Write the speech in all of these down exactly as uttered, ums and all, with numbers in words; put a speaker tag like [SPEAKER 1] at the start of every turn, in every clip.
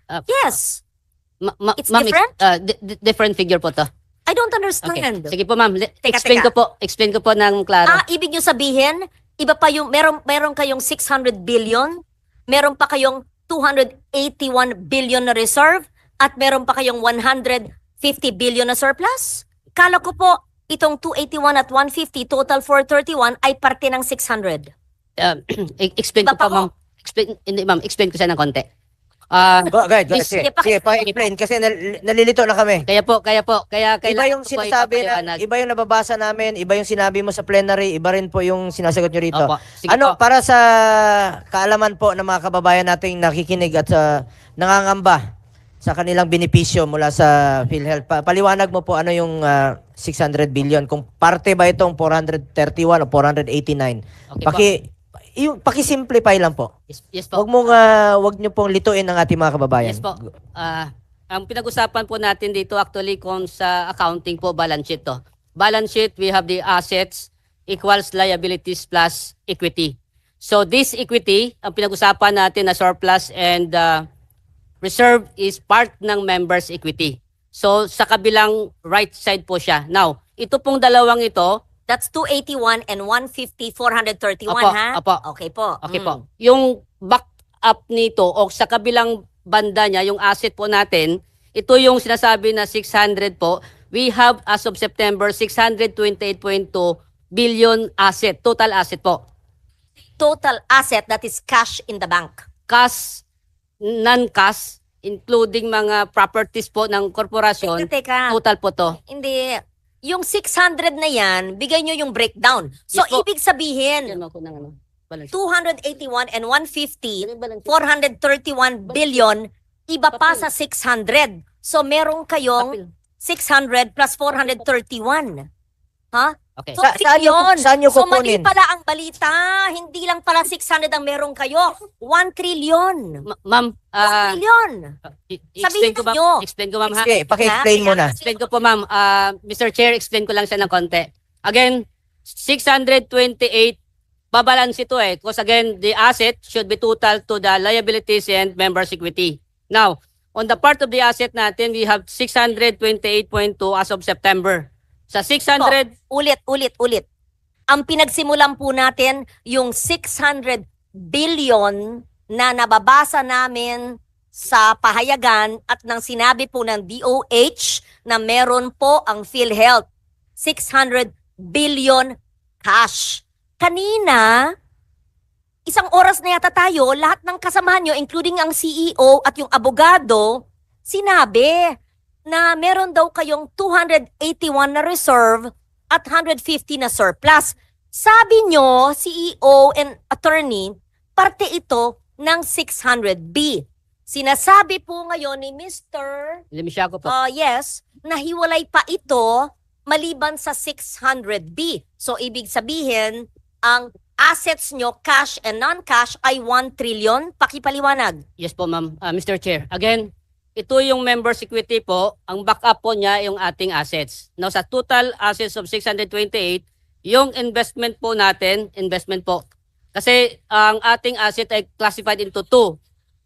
[SPEAKER 1] Uh,
[SPEAKER 2] Yes.
[SPEAKER 1] ma- ma-
[SPEAKER 2] It's
[SPEAKER 1] ma'am,
[SPEAKER 2] different?
[SPEAKER 1] uh, di- di- different figure po to.
[SPEAKER 2] I don't
[SPEAKER 1] Okay.
[SPEAKER 2] understand.
[SPEAKER 1] Sige po ma'am, Le-
[SPEAKER 2] Teka,
[SPEAKER 1] explain
[SPEAKER 2] teka.
[SPEAKER 1] ko po, explain ko po ng klaro.
[SPEAKER 2] Ah, ibig nyo sabihin, iba pa yung, meron, meron kayong six hundred billion, meron pa kayong two hundred eighty-one billion na reserve, at meron pa kayong one hundred fifty billion na surplus? Kala ko po, itong two eighty-one at one fifty, total four thirty-one, ay parte ng six hundred.
[SPEAKER 1] Uh, e- explain
[SPEAKER 2] Iba
[SPEAKER 1] ko
[SPEAKER 2] pa
[SPEAKER 1] po ma'am. Explain, hindi ma'am, explain ko siya ng konti. Ah,
[SPEAKER 3] Go, go ahead, go ahead.
[SPEAKER 1] This-
[SPEAKER 3] Sige,
[SPEAKER 2] Sige, paki-
[SPEAKER 3] sige, pa-explain kasi nal- nalilito na kami.
[SPEAKER 1] kaya po, kaya po, kaya
[SPEAKER 3] Iba
[SPEAKER 1] kailangan
[SPEAKER 3] yung
[SPEAKER 1] ko po
[SPEAKER 3] sinasabi na,
[SPEAKER 1] ipapaliwanag.
[SPEAKER 3] iba yung nababasa namin, iba yung sinabi mo sa plenary, iba rin po yung sinasagot nyo rito.
[SPEAKER 1] Opo, sige
[SPEAKER 3] Ano,
[SPEAKER 1] po.
[SPEAKER 3] para sa kaalaman po ng mga kababayan nating nakikinig at sa nangangamba sa kanilang benepisyo mula sa PhilHealth, pa, paliwanag mo po ano yung ah, six hundred billion, kung parte ba itong four hundred thirty-one o four hundred eighty-nine.
[SPEAKER 1] Okay
[SPEAKER 3] Paki, yung, paki-simplify lang po.
[SPEAKER 1] Yes, yes po.
[SPEAKER 3] Wag mong, ah, wag nyo pong lituin ang ating mga kababayan.
[SPEAKER 1] Yes po. Ah, ang pinag-usapan po natin dito actually kung sa accounting po balance sheet to. Balance sheet, we have the assets equals liabilities plus equity. So this equity, ang pinag-usapan natin na surplus and uh, reserve is part ng members equity. So sa kabilang right side po siya. Now, ito pong dalawang ito,
[SPEAKER 2] That's two eighty-one and one fifty, four thirty-one,
[SPEAKER 1] Apo,
[SPEAKER 2] ha?
[SPEAKER 1] apo.
[SPEAKER 2] Okay po.
[SPEAKER 1] okay
[SPEAKER 2] Mm.
[SPEAKER 1] po. Yung back up nito o sa kabilang banda niya, yung asset po natin, ito yung sinasabi na six hundred po. We have as of September six hundred twenty-eight point two billion asset, total asset po.
[SPEAKER 2] Total asset that is cash in the bank.
[SPEAKER 1] Cash, non-cash, including mga properties po ng korporasyon,
[SPEAKER 2] Teka, teka.
[SPEAKER 1] total po to.
[SPEAKER 2] Hindi. Yung six hundred na yan, bigay nyo yung breakdown. So,
[SPEAKER 1] Yes po.
[SPEAKER 2] ibig sabihin,
[SPEAKER 1] Yan mo ko ng ano, balance sheet.
[SPEAKER 2] two eighty-one and one fifty,
[SPEAKER 1] Yan yung balance sheet.
[SPEAKER 2] four thirty-one billion, iba pa
[SPEAKER 1] Papel.
[SPEAKER 2] sa six hundred. So, meron kayong
[SPEAKER 1] Papel.
[SPEAKER 2] six hundred plus four thirty-one. Ha?
[SPEAKER 1] Okay.
[SPEAKER 2] So,
[SPEAKER 3] Sa-
[SPEAKER 2] fake
[SPEAKER 3] saan nyo-
[SPEAKER 2] yun.
[SPEAKER 3] saan nyo
[SPEAKER 2] So, mali
[SPEAKER 3] kukunin?
[SPEAKER 2] pala ang balita. Hindi lang pala six hundred ang meron kayo. one trillion.
[SPEAKER 1] Ma- Ma'am,
[SPEAKER 2] one
[SPEAKER 1] ah,
[SPEAKER 2] trillion.
[SPEAKER 1] i-
[SPEAKER 2] Sabihin
[SPEAKER 1] explain ko ma'am,
[SPEAKER 2] nyo.
[SPEAKER 1] explain ko ma'am ha.
[SPEAKER 3] Sige, paki-explain
[SPEAKER 2] Ha?
[SPEAKER 3] mo na.
[SPEAKER 1] Explain ko po ma'am. Ah, Mister Chair, explain ko lang siya ng konti. Again, six hundred twenty-eight, babalance ito eh. Because again, the asset should be total to the liabilities and members equity. Now, on the part of the asset natin, we have six hundred twenty-eight point two as of September. Sa six hundred,
[SPEAKER 2] So, ulit, ulit, ulit. Ang pinagsimulan po natin, yung six hundred billion na nababasa namin sa pahayagan at nang sinabi po ng D O H na meron po ang PhilHealth. six hundred billion cash. Kanina, isang oras na yata tayo, lahat ng kasamahan nyo, including ang C E O at yung abogado, sinabi na meron daw kayong two eighty-one na reserve at one hundred fifty na surplus. Sabi nyo, C E O and attorney, parte ito ng six hundred B. Sinasabi po ngayon ni Mister
[SPEAKER 1] limisya ko po.
[SPEAKER 2] Uh, yes, nahiwalay pa ito maliban sa six hundred B. So, ibig sabihin, ang assets nyo, cash and non-cash, ay one trillion. Pakipaliwanag.
[SPEAKER 1] Yes po ma'am. Ah, Mister Chair, again, ito yung members equity po, ang backup po niya yung ating assets. Now sa total assets of six hundred twenty-eight, yung investment po natin, investment po. Kasi ang ating asset ay classified into two.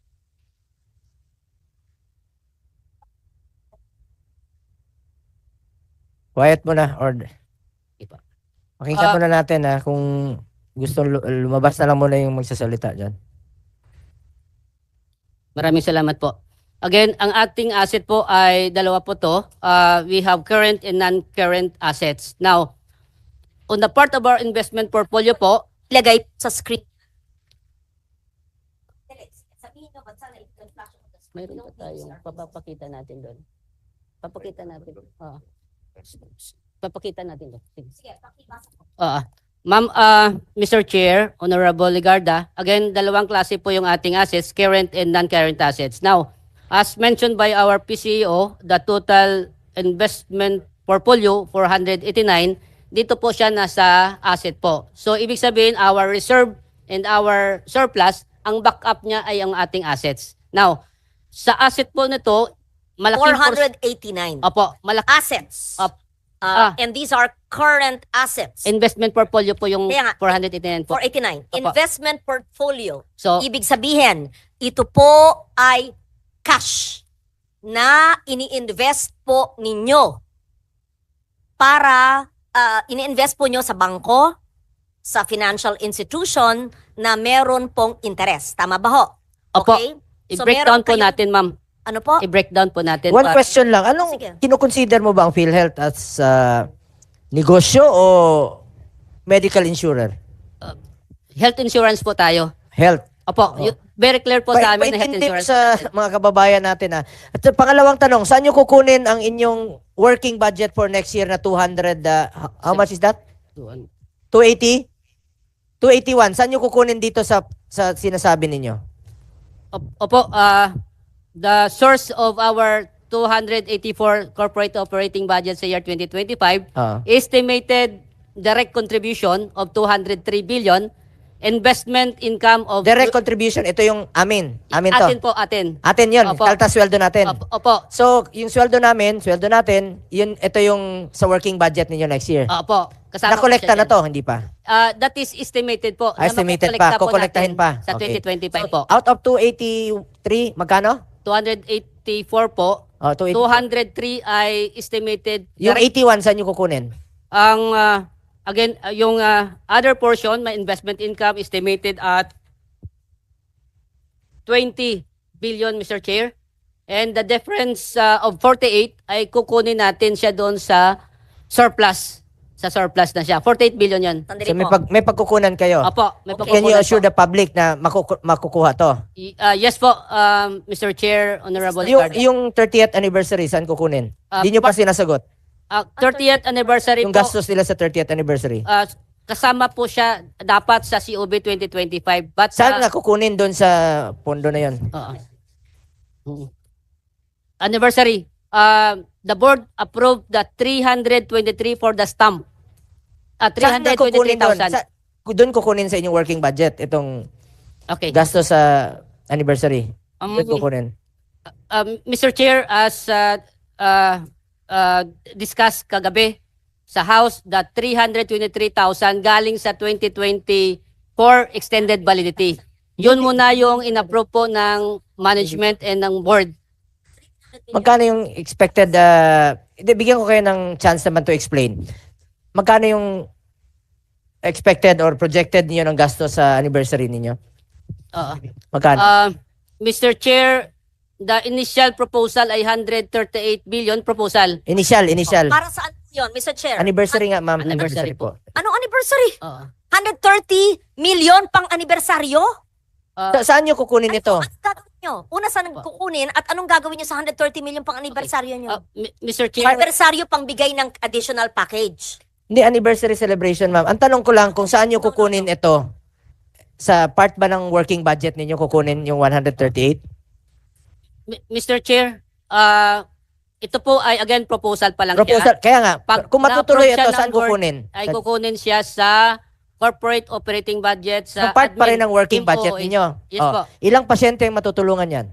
[SPEAKER 3] Quiet mo na, or
[SPEAKER 1] Iba.
[SPEAKER 3] pakinggan
[SPEAKER 1] Ah.
[SPEAKER 3] muna natin ha, kung gusto lu- lumabas na lang muna yung magsasalita dyan.
[SPEAKER 1] Maraming salamat po. Again, ang ating asset po ay dalawa po to. Uh, we have current and non-current assets. Now, on the part of our investment portfolio po,
[SPEAKER 2] Ilagay sa screen.
[SPEAKER 1] mayroon pa tayong papapakita natin doon. Papakita natin. Oo. Papakita natin doon. Sige.
[SPEAKER 2] Sige, pakibasa ko.
[SPEAKER 1] Oo. Ma'am, uh, Mister Chair, Honorable Ligarda, again, dalawang klase po yung ating assets, current and non-current assets. Now, as mentioned by our P C E O, the total investment portfolio, four hundred eighty-nine, dito po siya nasa asset po. So, ibig sabihin, our reserve and our surplus, ang backup niya ay ang ating assets. Now, sa asset po nito, malaking
[SPEAKER 2] four
[SPEAKER 1] pors-
[SPEAKER 2] hundred eighty-nine.
[SPEAKER 1] Opo, malaki
[SPEAKER 2] Assets.
[SPEAKER 1] Up.
[SPEAKER 2] Uh,
[SPEAKER 1] Ah.
[SPEAKER 2] And these are current assets.
[SPEAKER 1] investment portfolio po yung
[SPEAKER 2] Kaya nga,
[SPEAKER 1] four hundred eighty-nine po.
[SPEAKER 2] four eighty-nine.
[SPEAKER 1] Opo.
[SPEAKER 2] Investment portfolio.
[SPEAKER 1] So,
[SPEAKER 2] Ibig sabihin, ito po ay cash na ini-invest po ninyo para uh, ini-invest po nyo sa bangko, sa financial institution na meron pong interest. Tama ba ho?
[SPEAKER 1] Opo.
[SPEAKER 2] Okay? So,
[SPEAKER 1] I-breakdown
[SPEAKER 2] meron
[SPEAKER 1] po
[SPEAKER 2] kayong-
[SPEAKER 1] natin, ma'am.
[SPEAKER 2] Ano po?
[SPEAKER 1] I-breakdown po natin.
[SPEAKER 3] One
[SPEAKER 1] para-
[SPEAKER 3] question lang. Anong
[SPEAKER 2] Sige.
[SPEAKER 3] kinukonsider mo ba ang PhilHealth as uh, negosyo o medical insurer?
[SPEAKER 1] Health insurance po tayo.
[SPEAKER 3] Health.
[SPEAKER 1] Opo,
[SPEAKER 3] Oh.
[SPEAKER 1] y- very clear po sa amin na health
[SPEAKER 3] Paintindi mo
[SPEAKER 1] insurance.
[SPEAKER 3] sa mga kababayan natin. Ha. At sa pangalawang tanong, saan nyo kukunin ang inyong working budget for next year na two hundred? Uh, h- how much is that? two eighty? two eighty-one. Saan nyo kukunin dito sa sa sinasabi ninyo?
[SPEAKER 1] Op- Opo, ah, the source of our two hundred eighty-four corporate operating budget sa year twenty twenty-five,
[SPEAKER 3] Ah.
[SPEAKER 1] estimated direct contribution of two hundred three billion, investment income of...
[SPEAKER 3] Direct contribution, ito yung amin. Amin to.
[SPEAKER 1] Atin po, atin.
[SPEAKER 3] Atin yun.
[SPEAKER 1] Opo.
[SPEAKER 3] Kaltas sweldo natin.
[SPEAKER 1] Opo, opo,
[SPEAKER 3] So, yung sweldo namin, sweldo natin, yun, ito yung sa working budget ninyo next year.
[SPEAKER 1] opo. Kasama po
[SPEAKER 3] Nakolekta
[SPEAKER 1] siya
[SPEAKER 3] na
[SPEAKER 1] dyan.
[SPEAKER 3] to, hindi pa?
[SPEAKER 1] Ah, that is estimated po.
[SPEAKER 3] Ah,
[SPEAKER 1] na
[SPEAKER 3] estimated
[SPEAKER 1] makukolekta
[SPEAKER 3] pa.
[SPEAKER 1] po
[SPEAKER 3] Kukolektahin
[SPEAKER 1] natin
[SPEAKER 3] pa.
[SPEAKER 1] Sa
[SPEAKER 3] Okay.
[SPEAKER 1] twenty twenty-five po.
[SPEAKER 3] Out of two eighty-three, magkano?
[SPEAKER 1] two hundred eighty-four po.
[SPEAKER 3] Oh, two eighty.
[SPEAKER 1] two hundred three ay estimated.
[SPEAKER 3] Yung
[SPEAKER 1] direct-
[SPEAKER 3] eighty-one, saan nyo kukunin?
[SPEAKER 1] Ang ah, again ah, yung ah, other portion, my investment income estimated at twenty billion, Mister Chair. And the difference ah, of forty-eight ay kukunin natin siya doon sa surplus. Sa surplus na siya. forty-eight billion 'yan.
[SPEAKER 2] Sandali
[SPEAKER 3] So, may,
[SPEAKER 2] po.
[SPEAKER 3] pag, may pagkukunan kayo.
[SPEAKER 1] Opo, may
[SPEAKER 2] Okay.
[SPEAKER 3] Can you
[SPEAKER 1] pagkukunan
[SPEAKER 3] assure
[SPEAKER 1] po.
[SPEAKER 3] the public na makuku- makukuha to?
[SPEAKER 1] Y- ah, yes po, um, Mister Chair, Honorable
[SPEAKER 3] Yung,
[SPEAKER 1] Ricardo.
[SPEAKER 3] yung thirtieth anniversary, saan kukunin?
[SPEAKER 1] Ah,
[SPEAKER 3] Hindi nyo pa
[SPEAKER 1] pa-
[SPEAKER 3] sinasagot.
[SPEAKER 1] Ah, thirtieth anniversary
[SPEAKER 3] Yung
[SPEAKER 1] po.
[SPEAKER 3] gastos nila sa thirtieth anniversary.
[SPEAKER 1] ah, kasama po siya dapat sa C O B twenty twenty-five. But
[SPEAKER 3] Saan
[SPEAKER 1] ah,
[SPEAKER 3] na kukunin doon sa pondo na yon?
[SPEAKER 1] Oo. Mm. Anniversary. Uh, the board approved the three hundred twenty-three for the stamp. Uh,
[SPEAKER 3] Saan na kukunin doon?
[SPEAKER 1] three hundred twenty-three thousand.
[SPEAKER 3] Sa, doon kukunin sa inyong working budget itong
[SPEAKER 1] Okay.
[SPEAKER 3] gastos sa anniversary.
[SPEAKER 1] Um,
[SPEAKER 3] Doon kukunin.
[SPEAKER 1] um, Mister Chair, as uh, uh, uh, discussed kagabi sa House, the three hundred twenty-three thousand galing sa twenty twenty-four extended validity. Yun muna yung inapprove po ng management and ng board.
[SPEAKER 3] Magkano yung expected, uh, hindi, bigyan ko kayo ng chance naman to explain. Magkano yung expected or projected niyo ng gastos sa anniversary ninyo?
[SPEAKER 1] Oo.
[SPEAKER 3] Magkano?
[SPEAKER 1] Uh, Mister Chair, the initial proposal ay one hundred thirty-eight billion proposal.
[SPEAKER 3] initial, initial.
[SPEAKER 2] Para saan yun, Mister Chair?
[SPEAKER 3] Anniversary nga, ma'am.
[SPEAKER 1] Anniversary
[SPEAKER 3] Anniversary po.
[SPEAKER 2] Anong anniversary?
[SPEAKER 1] Oo.
[SPEAKER 2] one hundred thirty million pang anibersaryo?
[SPEAKER 1] Uh,
[SPEAKER 3] Sa- saan nyo kukunin ito?
[SPEAKER 2] Ano gagawin nyo? Una, saan kukunin at anong gagawin nyo sa one hundred thirty million pang anibersaryo nyo?
[SPEAKER 1] uh, Mi- Mister Chair,
[SPEAKER 2] Anibersaryo pang bigay ng additional package.
[SPEAKER 3] Hindi, anniversary celebration, ma'am. Ang tanong ko lang kung saan nyo kukunin ito. Sa part ba ng working budget ninyo kukunin yung one hundred thirty-eight?
[SPEAKER 1] Mi- Mister Chair, uh, ito po ay again proposal pa lang
[SPEAKER 3] Proposal.
[SPEAKER 1] siya.
[SPEAKER 3] Kaya nga,
[SPEAKER 1] Pag
[SPEAKER 3] kung matutuloy
[SPEAKER 1] na-approve siya
[SPEAKER 3] ito,
[SPEAKER 1] ng
[SPEAKER 3] saan
[SPEAKER 1] board,
[SPEAKER 3] kukunin?
[SPEAKER 1] Ay kukunin siya sa corporate operating budget sa
[SPEAKER 3] Sa part pa rin
[SPEAKER 1] admin,
[SPEAKER 3] ng working
[SPEAKER 1] team
[SPEAKER 3] budget
[SPEAKER 1] O O A.
[SPEAKER 3] ninyo.
[SPEAKER 1] Yes
[SPEAKER 3] Oh,
[SPEAKER 1] po.
[SPEAKER 3] ilang pasyente ang matutulungan yan?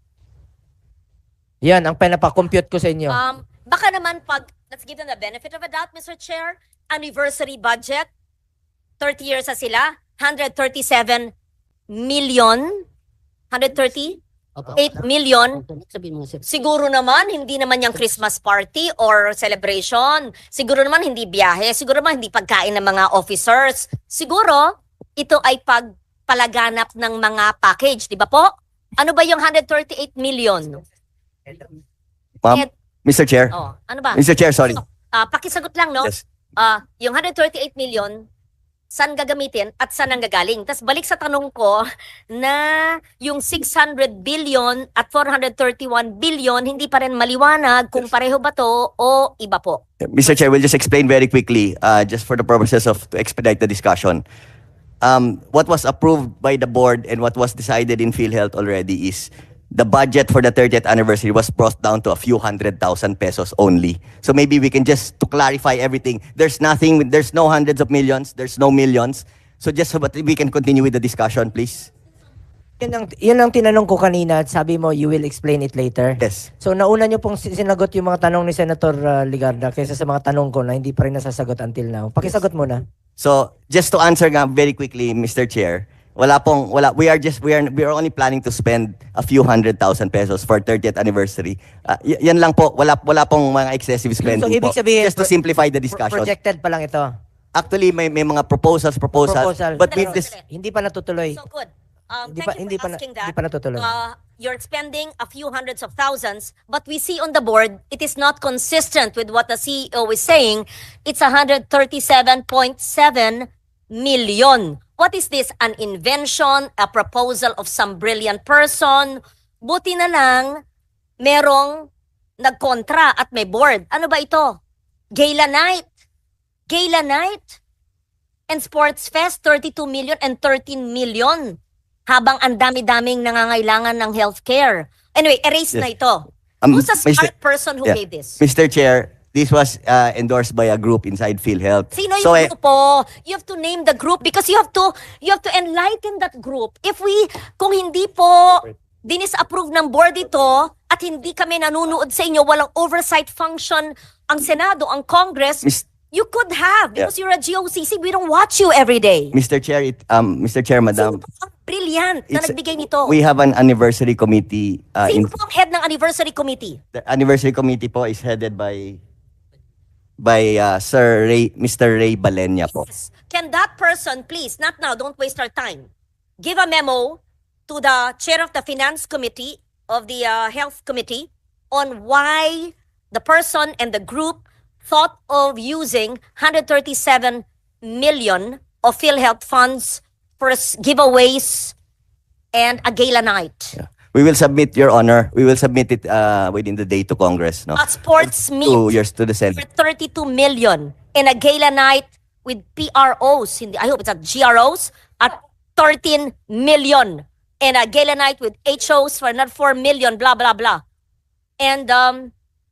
[SPEAKER 3] Yan, ang pinapakompute ko sa inyo.
[SPEAKER 2] Um, baka naman pag, let's give them the benefit of a doubt, Mister Chair, anniversary budget, thirty years na sila, one hundred thirty-seven million, one hundred thirty-eight
[SPEAKER 1] Opo.
[SPEAKER 2] million.
[SPEAKER 1] Sabihin mo nga, sir.
[SPEAKER 2] Siguro naman, hindi naman yung Christmas party or celebration. Siguro naman, hindi biyahe. Siguro naman, hindi pagkain ng mga officers. Siguro, ito ay pagpalaganap ng mga package. Di ba po? Ano ba yung one hundred thirty-eight million?
[SPEAKER 4] Ma'am,
[SPEAKER 2] Et-
[SPEAKER 4] Mister Chair.
[SPEAKER 2] Oh, ano ba?
[SPEAKER 4] Mister Chair, sorry.
[SPEAKER 2] Ah, pakisagot lang, no?
[SPEAKER 4] Yes.
[SPEAKER 2] Ah, yung one hundred thirty-eight million, saan gagamitin at saan ang gagaling? Tapos balik sa tanong ko na yung six hundred billion at four hundred thirty-one billion, hindi pa rin maliwanag kung pareho ba to o iba po.
[SPEAKER 4] Mister Chair, we'll just explain very quickly, uh, just for the purposes of to expedite the discussion. Um, what was approved by the board and what was decided in PhilHealth already is the budget for the thirtieth anniversary was brought down to a few hundred thousand pesos only. So maybe we can just, to clarify everything, there's nothing, there's no hundreds of millions, there's no millions. So just so that we can continue with the discussion, please.
[SPEAKER 3] Yun ang, yun ang tinanong ko kanina at sabi mo, you will explain it later.
[SPEAKER 4] Yes.
[SPEAKER 3] So nauna nyo pong si- sinagot yung mga tanong ni Senator uh, Ligarda kaysa sa mga tanong ko na hindi pa rin nasasagot until now. Pakisagot muna.
[SPEAKER 4] So, just to answer nga very quickly, Mister Chair, Wala pong, wala. We are just, we are, we are only planning to spend a few hundred thousand pesos for thirtieth anniversary. Uh, y- yan lang po. Wala, wala pong mga excessive spending
[SPEAKER 3] So, ibig
[SPEAKER 4] po.
[SPEAKER 3] sabihin,
[SPEAKER 4] Just to
[SPEAKER 3] pro-
[SPEAKER 4] simplify the
[SPEAKER 3] Pro-
[SPEAKER 4] discussion.
[SPEAKER 3] projected pa lang ito.
[SPEAKER 4] Actually, may, may mga proposals, proposals.
[SPEAKER 3] Proposal.
[SPEAKER 4] But
[SPEAKER 2] Pero-
[SPEAKER 4] with this,
[SPEAKER 3] Hindi pa natutuloy.
[SPEAKER 2] So good. Um,
[SPEAKER 3] Hindi
[SPEAKER 2] thank
[SPEAKER 3] pa-
[SPEAKER 2] you
[SPEAKER 3] hindi
[SPEAKER 2] for
[SPEAKER 3] pa na-
[SPEAKER 2] asking
[SPEAKER 3] hindi
[SPEAKER 2] that.
[SPEAKER 3] pa natutuloy.
[SPEAKER 2] Uh, you're spending a few hundreds of thousands, but we see on the board, it is not consistent with what the C E O is saying. It's one hundred thirty-seven point seven million. What is this? An invention? A proposal of some brilliant person? Buti na lang, merong nagkontra at may board. Ano ba ito? Gala night. Gala night. And Sports Fest, thirty-two million and thirteen million. Habang ang dami-daming nangangailangan ng healthcare. Anyway, erase
[SPEAKER 4] Yes.
[SPEAKER 2] na ito.
[SPEAKER 4] Um,
[SPEAKER 2] Who's the
[SPEAKER 4] Mister
[SPEAKER 2] smart person who
[SPEAKER 4] Yeah.
[SPEAKER 2] gave this?
[SPEAKER 4] Mister Chair, this was uh, endorsed by a group inside PhilHealth.
[SPEAKER 2] Sino
[SPEAKER 4] So,
[SPEAKER 2] yung
[SPEAKER 4] eh,
[SPEAKER 2] grupo? You have to name the group because you have to you have to enlighten that group. If we, kung hindi po dinis-approve ng board ito at hindi kami nanunood sa inyo, walang oversight function ang Senado, ang Congress,
[SPEAKER 4] Mis-
[SPEAKER 2] you could have
[SPEAKER 4] Yeah.
[SPEAKER 2] because you're a G O C C. We don't watch you every day.
[SPEAKER 4] Mister Chair, it, um, Mister Chair, Madam,
[SPEAKER 2] Sino po ang brilliant na
[SPEAKER 4] it's-
[SPEAKER 2] nagbigay nito?
[SPEAKER 4] we have an anniversary committee. Uh,
[SPEAKER 2] Sino
[SPEAKER 4] in,
[SPEAKER 2] po ang head ng anniversary committee?
[SPEAKER 4] the anniversary committee po is headed by by uh, Sir Ray, Mister Ray Balenya po.
[SPEAKER 2] Yes. Can that person, please, not now, don't waste our time, give a memo to the chair of the finance committee of the uh, health committee on why the person and the group thought of using one hundred thirty-seven million of PhilHealth funds for s- giveaways and a gala night.
[SPEAKER 4] Yeah. We will submit, Your Honor, we will submit it uh, within the day to Congress. No?
[SPEAKER 2] A sports meet
[SPEAKER 4] Two years to the
[SPEAKER 2] for
[SPEAKER 4] Senate.
[SPEAKER 2] thirty-two million and a gala night with P R Os, hindi, I hope it's at G R Os, at thirteen million. And a gala night with H Os for another four million, blah, blah, blah. And, um,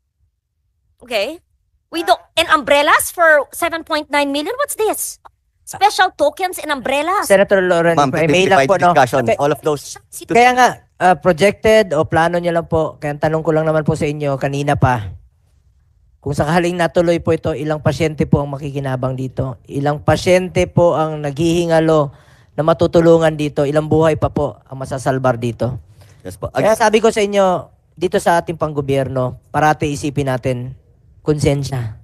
[SPEAKER 2] okay. We don't, and umbrellas for seven point nine million? What's this? Special tokens and umbrellas?
[SPEAKER 3] Senator Lauren,
[SPEAKER 4] Ma'am, to
[SPEAKER 3] may lang
[SPEAKER 4] simplify
[SPEAKER 3] po,
[SPEAKER 4] the
[SPEAKER 3] no?
[SPEAKER 4] discussion,
[SPEAKER 3] Okay.
[SPEAKER 4] all of those.
[SPEAKER 3] Kaya nga, uh, projected o plano niya lang po, kaya ang tanong ko lang naman po sa inyo kanina pa, kung sakaling natuloy po ito, ilang pasyente po ang makikinabang dito? Ilang pasyente po ang naghihingalo na matutulungan dito? Ilang buhay pa po ang masasalbar dito?
[SPEAKER 4] Yes po.
[SPEAKER 3] Kaya sabi ko sa inyo, dito sa ating panggobyerno, parati isipin natin, konsensya.